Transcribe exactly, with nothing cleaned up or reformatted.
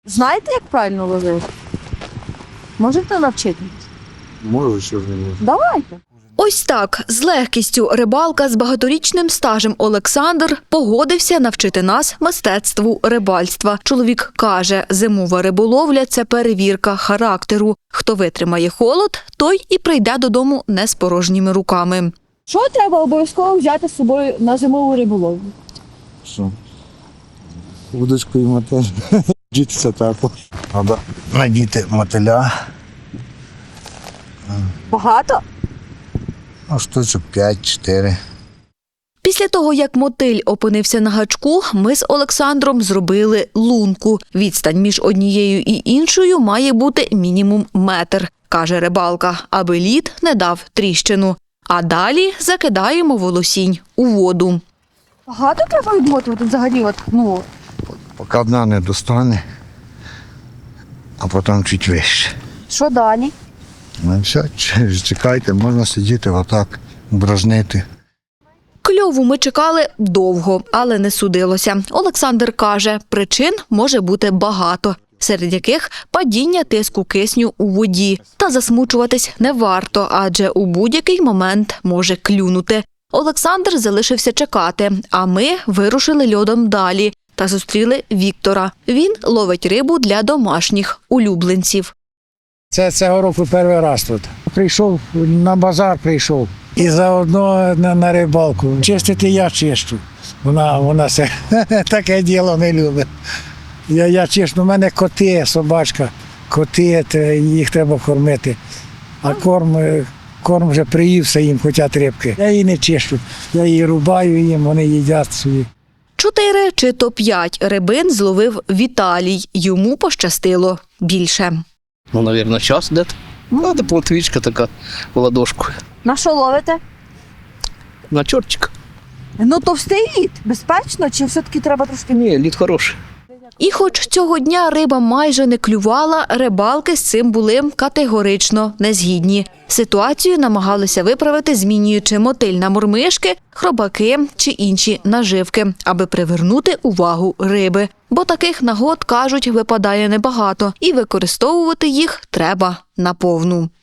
Знаєте, як правильно ловити? Можете навчити? Можу, що ж не можу. Давайте. Ось так, з легкістю рибалка з багаторічним стажем Олександр погодився навчити нас мистецтву рибальства. Чоловік каже, зимова риболовля – це перевірка характеру. Хто витримає холод, той і прийде додому не з порожніми руками. Що треба обов'язково взяти з собою на зимову риболовлю? Що? Удочку і мотель. Дітися тако. Треба надіти мотиля. Багато? Ну, штучок п'ять-чотири. Після того, як мотиль опинився на гачку, ми з Олександром зробили лунку. Відстань між однією і іншою має бути мінімум метр, каже рибалка, аби лід не дав тріщину. А далі закидаємо волосінь у воду. Багато треба відмотувати взагалі? От, ну, Поки одна не достане, а потім чуть вище. що далі? Ну все, чекайте, можна сидіти отак, бражнити. Кльову ми чекали довго, але не судилося. Олександр каже, причин може бути багато, серед яких падіння тиску кисню у воді. Та засмучуватись не варто, адже у будь-який момент може клюнути. Олександр залишився чекати, а ми вирушили льодом далі та зустріли Віктора. Він ловить рибу для домашніх улюбленців. Це цього року перший раз тут. Прийшов, на базар прийшов і заодно на, на рибалку. Чистити я чищу. Вона, вона це, таке діло не любить. Я, я чищу, у мене коти, собачка, коти, їх треба кормити. А корм, корм вже приївся їм, хочуть рибки. Я її не чищу, я її рубаю їм, вони їдять собі. Чотири чи то п'ять рибин зловив Віталій. Йому пощастило більше. Ну, мабуть, час десь. Ну, це плотвічка така в ладошку. На що ловите? На чортик. Ну, товстий лід. Безпечно? Чи все-таки треба трошки? Ні, лід хороший. І хоч цього дня риба майже не клювала, рибалки з цим були категорично незгідні. Ситуацію намагалися виправити, змінюючи мотиль на мормишки, хробаки чи інші наживки, аби привернути увагу риби. Бо таких нагод, кажуть, випадає небагато, і використовувати їх треба наповну.